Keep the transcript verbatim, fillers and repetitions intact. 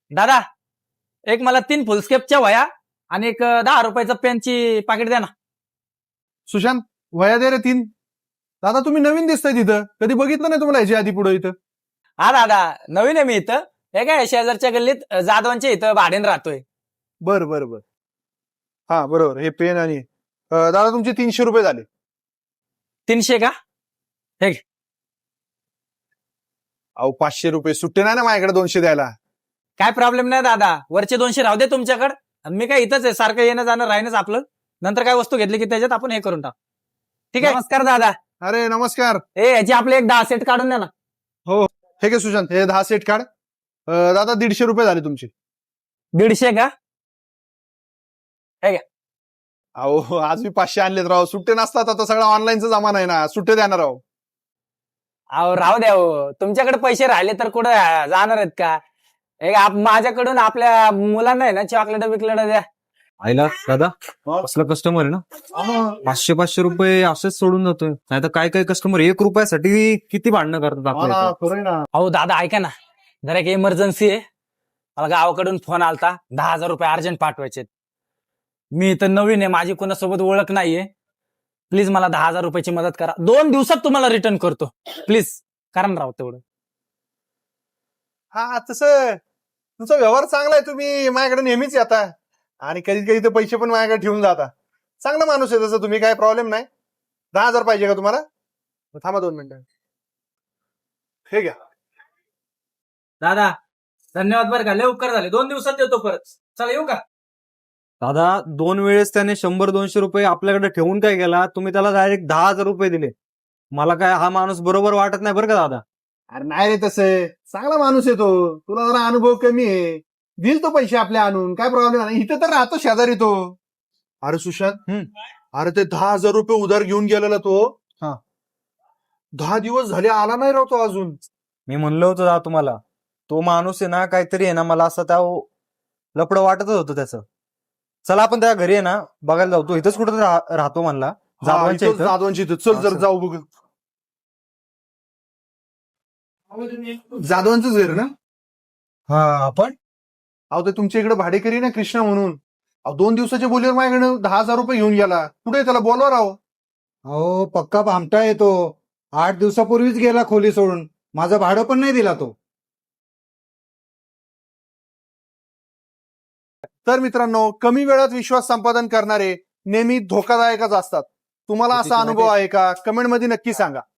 दादा, एक मला तीन फुलस्केपच्या वया आणि एक अं, दहा रुपयाचं पेनची पाकिट द्या ना. सुशांत, वया दे रे तीन. दादा तुम्ही नवीन दिसताय तिथं, कधी बघितलं नाही तुम्हाला याच्या आधी पुढे इथं. हा दादा, नवीन आहे मी इथं. हे काय शेजारच्या गल्लीत अं, जाधवांच्या इथं भाड्यानं राहतोय. बर बर बर हा बरोबर, हे पेन आणि अं, दादा तुमचे तीनशे रुपये झाले. तीनशे का? अहो पाचशे रुपये सुट्टे नाही ना माझ्याकडे दोनशे द्यायला. काय प्रॉब्लेम नाही दादा, वरचे दोनशे राहू दे तुमच्याकडे. आणि मी काय इथंच आहे, सारखं येणं जाणं राहीनच आपलं. नंतर काय वस्तू घेतली की त्याच्यात आपण हे करून टाक. ठीक आहे. नमस्कार दादा. अरे नमस्कार. ए याची आपले एक दहा सेट काढून द्या ना. हे घे सुशांत, हे दहा सेट काढ. अं, दादा दीडशे रुपये झाले तुमचे. दीडशे का? अहो आज मी पाचशे आणलेत राव, सुट्टे नसतात, आता सगळा ऑनलाईनचा जमाना आहे ना, सुट्टे देणार राव. अहो राहू द्या हो, तुमच्याकडे पैसे राहिले तर कुठं जाणार आहेत का? एक आप- माझ्याकडून आपल्या मुलांना आहे ना चॉकलेट बिकलेट द्या. आईला दादा असला कस्टमर आहे ना, पाचशे पाचशे रुपये असेच सोडून जातोय. नाही तर काय काय कस्टमर एक रुपयासाठी किती भांडणं करतात हा आपल्या ना, इथं. खरंय ना. अहो दादा ऐका ना, जरा एक इमर्जन्सी आहे. मला गावाकडून फोन आलता, दहा हजार रुपये अर्जंट पाठवायचे. मी इथं नवीन आहे, माझी कोणासोबत ओळख नाहीये. प्लीज मला दहा हजार रुपयाची मदत करा. दोन दिवसात तुम्हाला रिटर्न करतो. प्लीज करा ना राव तेवढं. हा तसं तुमचा व्यवहार चांगला आहे, तुम्ही माझ्याकडे नेहमीच येता आणि कधी कधी तर पैसे पण माझ्याकडे ठेवून जाता. चांगला माणूस आहे तसं तुम्ही, काय प्रॉब्लेम नाही. दहा हजार पाहिजे का तुम्हाला? थांबा दोन मिनिटं. हे घ्या. दादा धन्यवाद बरं का, लय उपकार झाले. दोन दिवसात देतो परत. चला येऊ का? दादा दोन वेळेस त्याने शंभर दोनशे रुपये आपल्याकडे ठेवून काय केला, तुम्ही त्याला डायरेक्ट दहा हजार रुपये दिले. मला काय हा माणूस बरोबर वाटत नाही बरं का दादा. अरे नाही रे, तसं चांगला माणूस आहे तो. तुला जरा अनुभव कमी आहे, दिल तो पैसे आपले आणून, काय प्रॉब्लेम नाही. इथं तर राहतो शेजारी तो. अरे सुशांत, अरे ते दहा हजार रुपये उधार घेऊन गेलेला तो. हा दहा दिवस झाले आला नाही राव तो अजून. मी म्हणलं होतं दादा तुम्हाला, तो माणूस आहे ना काहीतरी आहे ना, मला असं त्या लपडं वाटतच होतं त्याचं. चला आपण त्या घरी आहे ना बघायला जाऊ. तो इथंच कुठं राहतो म्हणला, जाधवांच्या इथं. जाधवांची इथं. चल जर असं. जाऊ बघ. जाधवांचंच घर ना? हा आपण अहो ते तुमच्या इकडे भाडेकरी ना कृष्णा म्हणून. अहो दोन दिवसाच्या बोलीवर माझ्याकडे दहा हजार रुपये घेऊन गेला. कुठे त्याला बोलवा राव. अहो पक्का भामटा येतो. आठ दिवसापूर्वीच गेला खोली सोडून. माझं भाडं पण नाही दिला तो. तर मित्रांनो, कमी वेळात विश्वास संपादन करणारे नेहमी धोकादायकच असतात. तुम्हाला असा अनुभव आहे का? कमेंट मध्ये नक्की सांगा.